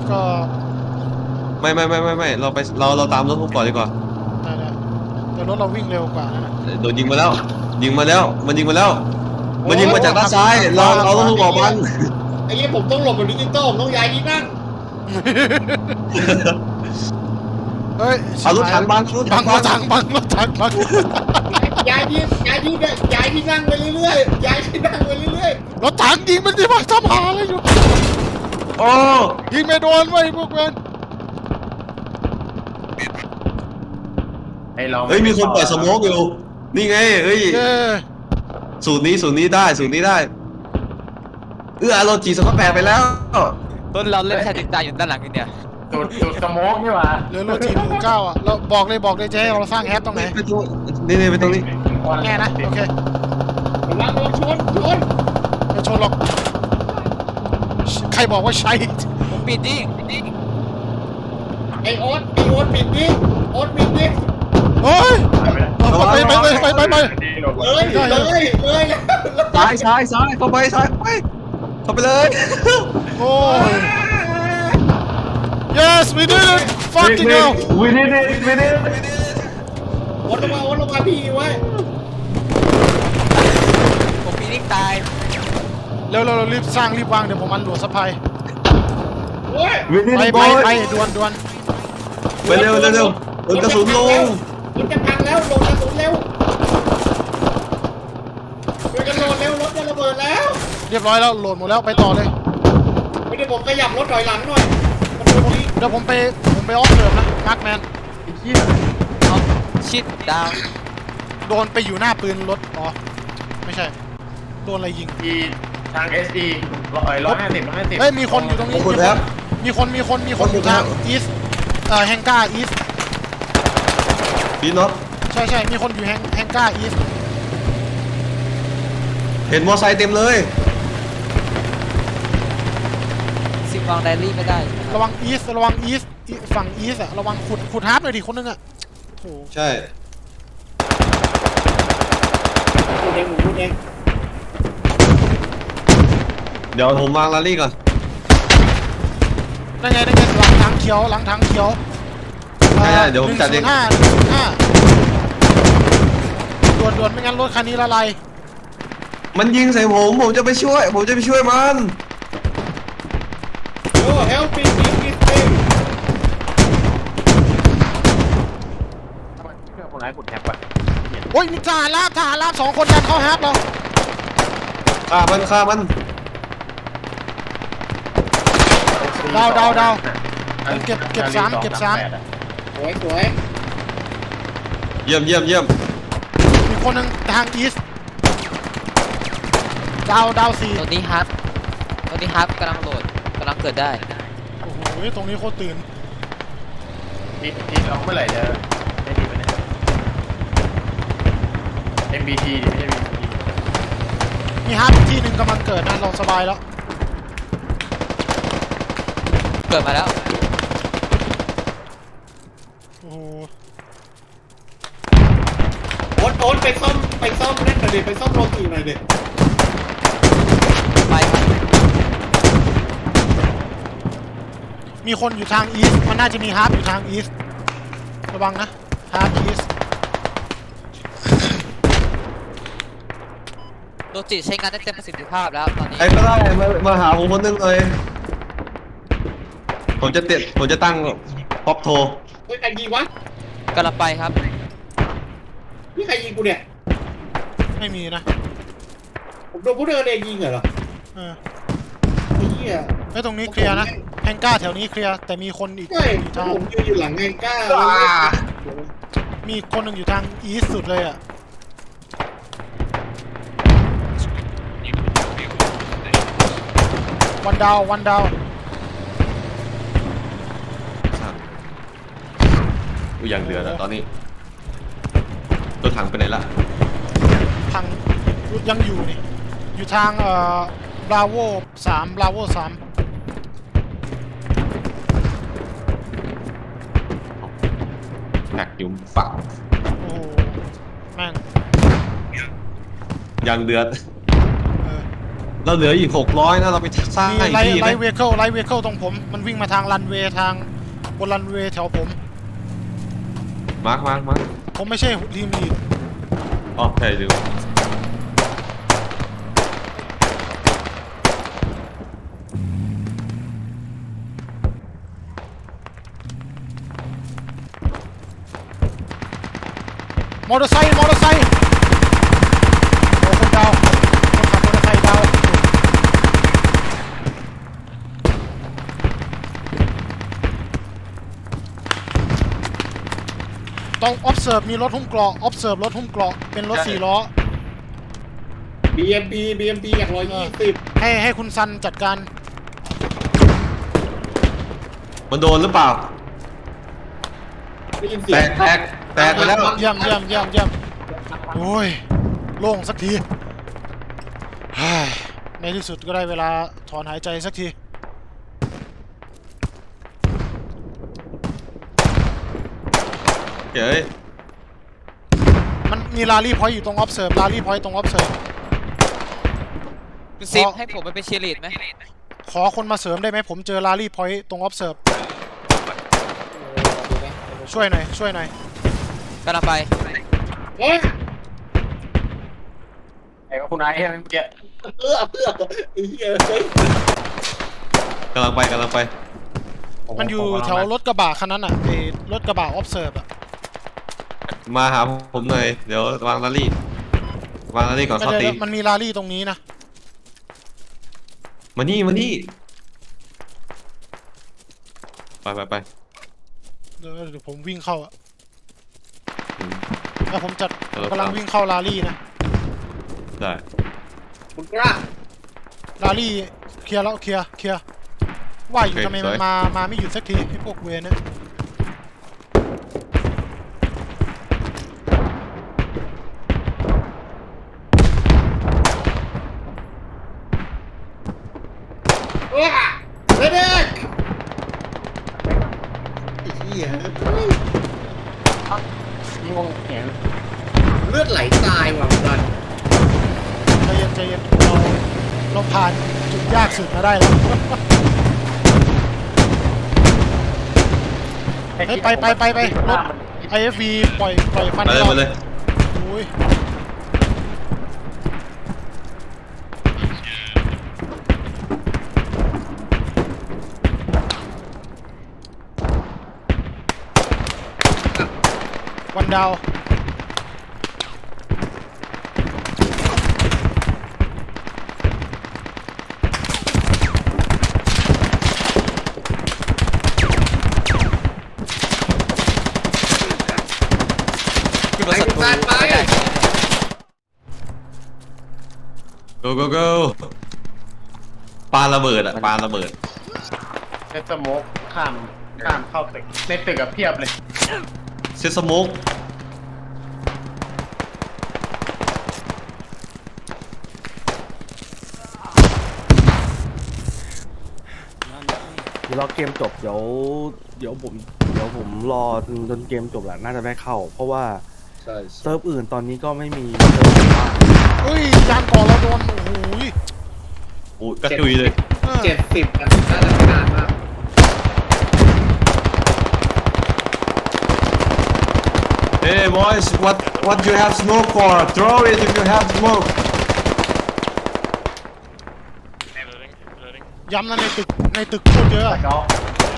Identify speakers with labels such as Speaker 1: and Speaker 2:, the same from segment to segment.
Speaker 1: ก็
Speaker 2: ไม่เราไปเราตามรถผมก่อนดีกว่า
Speaker 1: ได้แต่รถเราวิ่งเร็วกว่านะ
Speaker 2: โดนยิงมาแล้วยิงมาแล้วมันยิงมาแล้ว
Speaker 3: โอ้
Speaker 2: มันยิงมาจากด้านซ้ายเราต้องถูกออกมัน
Speaker 3: ไอ้เหี้ยผมต้องหลบกับดิจิตอลผมต้องย้ายที่นั่ง
Speaker 1: เฮ้ย
Speaker 2: เอารถถังบังรถ
Speaker 1: บั
Speaker 2: ถั
Speaker 1: ง
Speaker 2: ง
Speaker 1: รถถังบังรถถังบัง
Speaker 3: ย้ายที่นั่งไปเรื่อยๆย้ายที่นั่งไปเรื่อย
Speaker 1: รถถังยิงมันสิมาทำหาอะไรอยู่
Speaker 2: โอ้
Speaker 1: ยิงไม่โดนไว้พวกมัน
Speaker 4: ไอ้เรา
Speaker 2: เฮ้ยมีคนปล่อยสโมกอยู่นี่ไงเฮ้ย
Speaker 1: เย้
Speaker 2: สูตรนี้ได้โรจีสก็แปลไปแล้ว
Speaker 5: ต้นเราเล่นแค่ติดตาอยู่ด้านหลังนี่เนี่ย
Speaker 4: จุดสโมกนี่หว่า
Speaker 1: เหลือรถทีมหมู่เก้าอ่ะเราบอกเลยจะให้เราสร้างแฮปตรงไหน
Speaker 2: ไปตรงนี่ไปตรงนี้
Speaker 1: แน่นะโอเค
Speaker 3: ๆระวังโดนชน
Speaker 1: ไม่ชนหรอกใครบอกว่าใช้
Speaker 5: ผมปิดดิ
Speaker 3: ไอ้โอ๊ตปิดดิโอ๊ตปิดดิ
Speaker 1: เฮ้ยไป
Speaker 3: เลย
Speaker 2: ซ้ายเข้าไปเข้าไปเลย
Speaker 1: โอ้ย yes we did it fucking hell
Speaker 4: วินิด
Speaker 3: โอ๊ตลงมาพี่ไว้
Speaker 5: ผมปีนิ่งตาย
Speaker 1: เร็วรีบสร้างรีบวางเดี๋ยวผมมันหลวงสะพาย
Speaker 3: โอ้ย
Speaker 4: วินิด
Speaker 1: ไปด่วน
Speaker 2: ไปเร็วโดนกระสุนลง
Speaker 3: รถจะพังแล้วโดนกระสุนเร็วรถจะระเบิดแล้ว
Speaker 1: เรียบร้อยแล้วโหลดหมดแล้วไปต่อเลย
Speaker 3: ไม่ได้ผมขยับรถถอยหลังหน่อยมันโดนยิง
Speaker 1: เดี๋ยวผมไปออฟเดิมนะมาร์คแมน
Speaker 5: เอาชิดดาว
Speaker 1: โดนไปอยู่หน้าปืนรถอ๋อไม่ใช่โดนอะไรยิง
Speaker 4: อีทาง SE 150
Speaker 1: เฮ้ยมีคนอยู่ตรงนี้
Speaker 2: ขอบคุณครับ
Speaker 1: มีคนอยู่ทางอีสแฮงก้าอีส
Speaker 2: พี่น็อต
Speaker 1: ใช่มีคนอยู่แฮงก้าอีส
Speaker 2: เห็นมอไซค์เต็มเลย
Speaker 5: สิบวางไดรี่ไม่ได้
Speaker 1: ระวังอีสฝั่งอีสอะระวังขุดฮาร์ปหน่อยดิคนนึงอะโถ
Speaker 2: ใช่
Speaker 3: พูดเอง
Speaker 2: เดี๋ยวผมวางลารี่ก่อน
Speaker 1: นั่นไงหลังทางเขียว
Speaker 2: ใช่เดี๋ยวผมจัดเอง
Speaker 1: 105ด่วนไม่งั้นรถคันนี้ละลาย
Speaker 2: มันยิงใส่ผมจะไปช่วยมัน
Speaker 3: โอ้ help me please please
Speaker 4: เครื่องคนร้ายกดแท็บว่ะ
Speaker 1: โอ้ยมีทหารราบ2 คนดันเข้าฮาร์ปเรา
Speaker 2: ฆ่ามัน
Speaker 1: ดาวเก็บสาม
Speaker 3: สวย
Speaker 2: เยี่ยม
Speaker 1: มีคนหนึ่งทางอีสดาว4
Speaker 5: ตัวนี้ฮาร์ปกำลังโหลดกำลังเกิดได้
Speaker 1: โอ้โหตรงนี้โคตรตื่น
Speaker 4: ทีเราเมื่อไหร่จะได้ดีไปเนี่ย MBT ไม่ใช่ MBT
Speaker 1: มีฮาร์ปอีกที่หนึ่งกำลังเกิดนะเราสบายแล้ว
Speaker 5: เกิดมาแล้ว
Speaker 1: โอ้โห
Speaker 3: โอ๊ตไปซ่อมนั่นหน่อยดิไปซ่อมโรตีหน่อยดิ
Speaker 5: ไป
Speaker 1: มีคนอยู่ทางอีสมันน่าจะมีฮาร์ปอยู่ทางอีสระวังนะฮาร์ปอีส
Speaker 5: โลจิใช้งานได้เต็มประสิทธิภาพแล้วตอนนี้
Speaker 2: ไอ้ก็ได้มาหาผมคนนึงเลยผมจะตั้งป๊อปโทร
Speaker 3: เฮ้ยใครยิงวะ
Speaker 5: กำลังไปครับ
Speaker 3: นี่ใครยิงกูเนี่ย
Speaker 1: ไม่มีนะ
Speaker 3: ผมโดนผู้เดินเองยิงเหรอ
Speaker 1: เออ
Speaker 3: ไอ้เหี้ย
Speaker 1: ไอ้ตรงนี้เคลียร์นะแฮงก้าแถวนี้เคลียร์แต่มีคนอีก
Speaker 3: ใช่
Speaker 1: อยู่ทาง
Speaker 3: ผมยืนอยู่หลังไงกล้า
Speaker 1: มีคนหนึ่งอยู่ทางอีสสุดเลยอ่ะวันดาว
Speaker 2: กูอย่างเดือดอะตอนนี้รถถังไปไหนละ
Speaker 1: ทางยังอยู่นี่อยู่ทางบราโว3
Speaker 2: แม็กยุมฝัก
Speaker 1: โอ้โหแม่ง
Speaker 2: อย่างเดือด
Speaker 1: เออ
Speaker 2: เราเหลืออีก600นะเราไปสร้าง
Speaker 1: มี
Speaker 2: อีก
Speaker 1: ไล
Speaker 2: ที่ไหม
Speaker 1: ท์เวเคิลตรงผม มันวิ่งมาทางรันเวย์ทางบนรันเวย์แถวผม
Speaker 2: มาร์ค
Speaker 1: ผมไม่ใช่ทีมลีด
Speaker 2: อ๋อใช่ดู
Speaker 1: มอเตอร์ไซค์โอ้คนดาวคนขับมอเตอร์ไซค์ดาวต้อง observe มีรถหุ้มเกราะ observe รถหุ้มเกราะเป็นรถ4 ล้อ
Speaker 3: BMP อย่าง120
Speaker 1: ให้คุณซันจัดการ
Speaker 2: มันโดนหรือเปล่า
Speaker 3: ได้ยินเสี
Speaker 2: แต
Speaker 3: ยง
Speaker 2: กไปแล้ว
Speaker 1: เยี่ยมโอ้ยโล่งสักทีเฮ้ยในที่สุดก็ได้เวลาถอนหายใจสักที
Speaker 2: เฮ้ย
Speaker 1: มันมีลารี่พอยต์อยู่ตรง observe ลารี่พอยต์ตรง observe
Speaker 5: คุณซิมให้ผมไปเป็นเชียร์ลีดไหม
Speaker 1: ขอคนมาเสริมได้ไหมผมเจอลารี่พอยต์ตรง observe ช่วยหน่อย
Speaker 5: กำลังไป
Speaker 3: เฮ้ย
Speaker 4: ไอ้คุณไอ้เมื่อกี้
Speaker 3: เพื่อไอ้เหี้ยเฮ้ย
Speaker 2: กำลังไป
Speaker 1: มันอยู่แถวรถกระบะคันนั้นอ่ะไอ้รถกระบะ observe อ่ะ
Speaker 2: มาหาผมหน่อยเดี๋ยววางลารี่ก่อนเขาตี
Speaker 1: มันมีลารี่ตรงนี้นะ
Speaker 2: มานี่ไป
Speaker 1: เดี๋ยวผมวิ่งเข้าอ่ะแล้วผมจัด
Speaker 2: เออ
Speaker 1: กำลังวิ่งเข้าลารี่นะ
Speaker 2: ได้
Speaker 3: คุณกล้า
Speaker 1: ลารี่เคลียร์แล้วเคลียร์ว่าอยู่ทำไมมันมาไม่หยุดสักทีไอ้พวกเวรเนี่ย
Speaker 3: เด็กไอ้เหี้ย
Speaker 4: งงเห็น
Speaker 3: เลือดไหลตายว่ะมัน
Speaker 1: ใจเย็นเราผ่านจุดยากสุดมาได้แล้ว เฮ้ยไปรถ IFV ปล่อยฟัน
Speaker 2: มาเลย
Speaker 1: โอ้ยวันดาว
Speaker 5: คือมาศัตรู
Speaker 3: ไป
Speaker 5: ไม่ได้
Speaker 2: go ปาระเบิด
Speaker 4: เซตสโมกข้ามเข้าตึกในตึกกับเพียบเลย
Speaker 2: เซตสโมก
Speaker 6: เดี๋ยวรอเกมจบเดี๋ยวผมรอจนเกมจบแหละน่าจะได้เข้า เพราะว่า
Speaker 3: ใช่
Speaker 6: เซิร์ฟอื่นตอนนี้ก็ไม่มีเซิร์ฟว่าง
Speaker 1: เฮ้ยยานก่อเราโดนโอ้โห
Speaker 2: โอ้กระจุยเลย
Speaker 3: 70อันน่าจะนานมาก
Speaker 2: Hey boys what you have smoke for throw it if you have smoke
Speaker 1: ย้ำนะในตึกพูดเยอะอะ
Speaker 4: เนาะ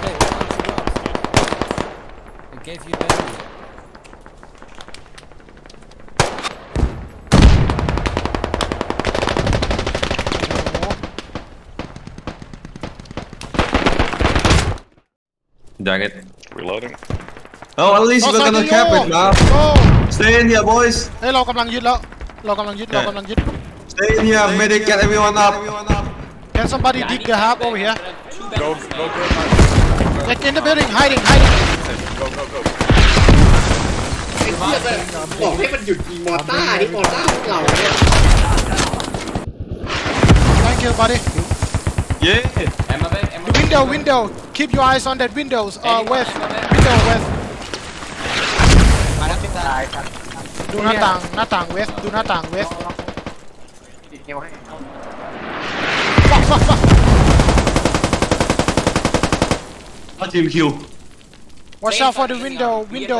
Speaker 2: Dang it
Speaker 7: Reloading.
Speaker 2: oh at least we're gonna cap it now
Speaker 1: โอ้
Speaker 2: stay in here boys
Speaker 1: เฮ้ยเรากำลังยึดแล้วเรากำลังยึด
Speaker 2: stay in here medic get everyone up
Speaker 1: Can somebody dig the hub over here
Speaker 7: Go.
Speaker 1: Like in the building hiding
Speaker 7: Go.
Speaker 3: ไอ้เหี้ยแบบบอกให้มันหยุดยิงมอต้าที่มอต้าพวกเราเนี่ย
Speaker 1: Thank you buddy
Speaker 2: yeah
Speaker 1: The window keep your eyes on that windows west window west
Speaker 5: มาแล้วพี่ตา
Speaker 4: ตายครับ
Speaker 1: ดูหน้าต่าง west ดูหน้าต่าง west
Speaker 4: ติดนิ้วให้
Speaker 2: เอาทีมคิว
Speaker 1: Watch out for the window.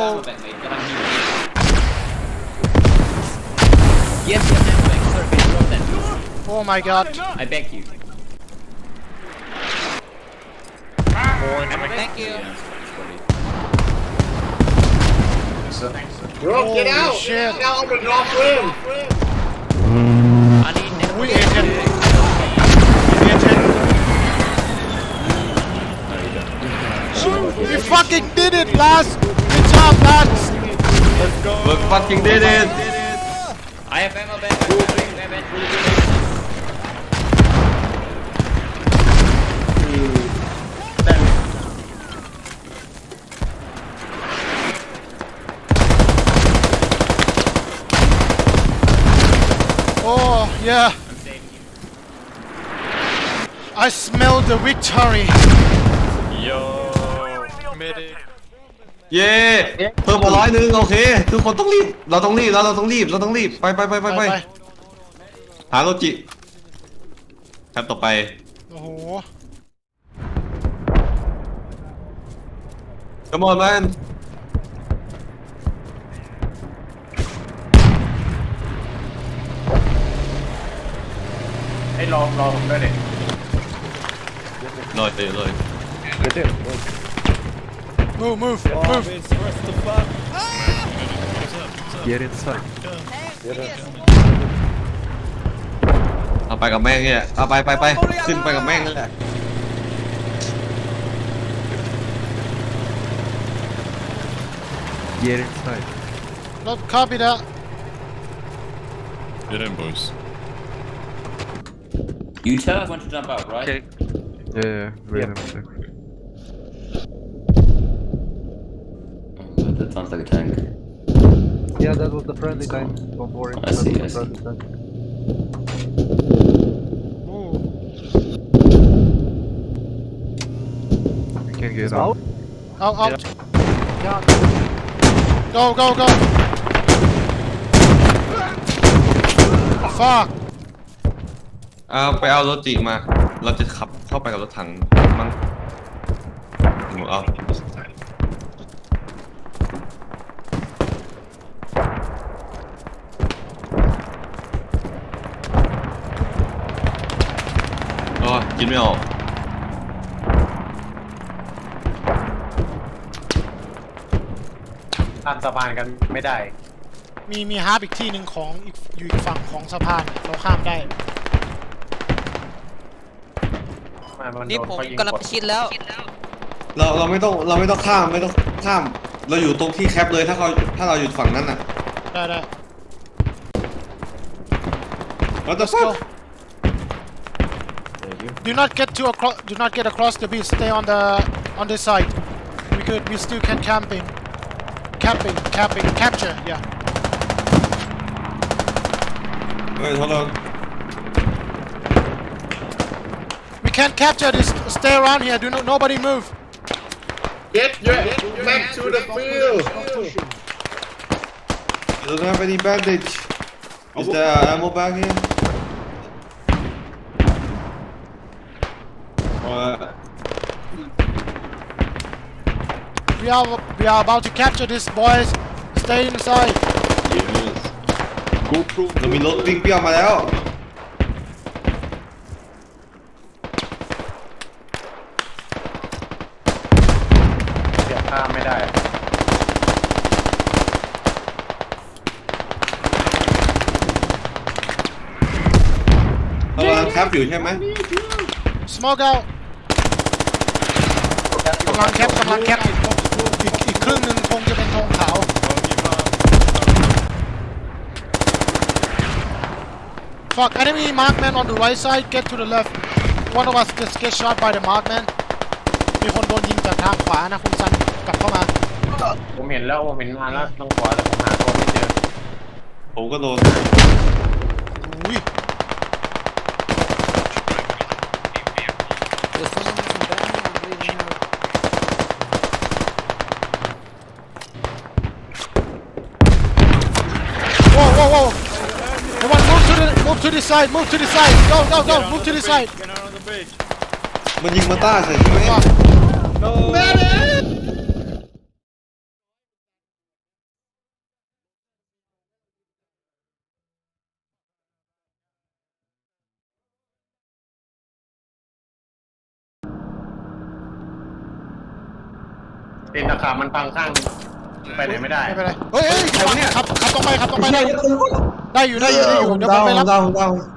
Speaker 7: Yes, yes, back, sir. Drop that.
Speaker 1: Oh my god.
Speaker 7: I beg you.
Speaker 5: Thank you.
Speaker 3: Bro get
Speaker 1: Holy
Speaker 3: out
Speaker 1: shit.
Speaker 3: get out of the drop room
Speaker 7: I need
Speaker 1: We agent. Agent. We fucking did it, lads. Good job, lads.
Speaker 2: We fucking did it
Speaker 7: I have ammo back.
Speaker 1: Oh, yeah. I smell the victory.
Speaker 2: เย้เพิ่มมา100โอเคทุกคนต้องรีบเราต้องรีบไปหาโลจิครับต่อไป
Speaker 1: โอ้โห
Speaker 2: Come on man
Speaker 4: ให้ลองด้วยเด็ก
Speaker 2: ลอยเลย
Speaker 1: Move.
Speaker 6: Get inside
Speaker 2: เอาไปกับแม่งเนี่ยเอาไปขึ้นไปกับแม่งนั่นแหละ
Speaker 6: Get inside
Speaker 1: Not copy that.
Speaker 8: Get in, boys.
Speaker 7: You tell us when to jump out, right?
Speaker 6: Yeah, wait a sec.
Speaker 7: That sounds like a tank.
Speaker 9: Yeah, that was the friendly tank. Don't worry.
Speaker 7: I see,
Speaker 9: That
Speaker 7: I
Speaker 9: was the
Speaker 7: see.
Speaker 9: friendly tank.
Speaker 1: Ooh.
Speaker 6: We can get
Speaker 9: Out?
Speaker 6: out.
Speaker 1: Out. Go. Fuck.
Speaker 2: ไปเอารถจิมาเราจะขับเข้าไปกับรถถังมั้งเอาอ๋อกินไม่ออก
Speaker 4: ข้ามสะพานกันไม่ได้
Speaker 1: มีฮาร์ปอีกที่หนึ่งของอยู่อีกฝั่งของสะพานเราข้ามได้
Speaker 5: นี่ผมกำลังประชิดแล้ว
Speaker 2: เราไม่ต้องข้ามเราอยู่ตรงที่แคปเลยถ้าเราอยู่ฝั่งนั้นน่ะ
Speaker 1: ได้
Speaker 2: What the
Speaker 1: Let's go.
Speaker 2: fuck
Speaker 1: Do not get across the beach. Stay on this side. We still can camping. Capture. Yeah.
Speaker 2: Wait, hold on
Speaker 1: We can't capture this. Stay around here. Nobody move.
Speaker 3: get your back to the field
Speaker 2: You don't have any bandage Is there ammo bag here?
Speaker 1: We are about to capture this, boys. Stay inside.
Speaker 2: Yes เรามีรถวิ่งเปรี้ยวมาแล้ว
Speaker 4: เสียบข้ามไม่ได้
Speaker 2: เรากำลังแคปอยู่ใช่ไหม
Speaker 1: Smoke out. กำลังแคปอีกครึ่งหนึ่งคงจะเป็นธงขาว Fuck, enemy markman on the right side, get to the left. One of us just get shot by the markman. มีคนโดนยิงจากทางขวานะคุณซันกลับเข้ามา
Speaker 4: ผมเห็นนานแล้วทางขวาแต่ผมหาตัวไม่เจอ
Speaker 2: ผมก็โดน
Speaker 1: อุ้ย Whoa. Come on, move to the side. Go. Move to the side.
Speaker 2: มันยิงมาต้าใส่ใช่ไหม
Speaker 3: แม่เนี่ย
Speaker 4: ตีนตะขาบมันพังข้างไปไหนไม่ได้
Speaker 1: ไม่เป็นไรเฮ้ยขับตรงไปได้อยู่เดี๋ยวผมไปรับ
Speaker 2: ดาว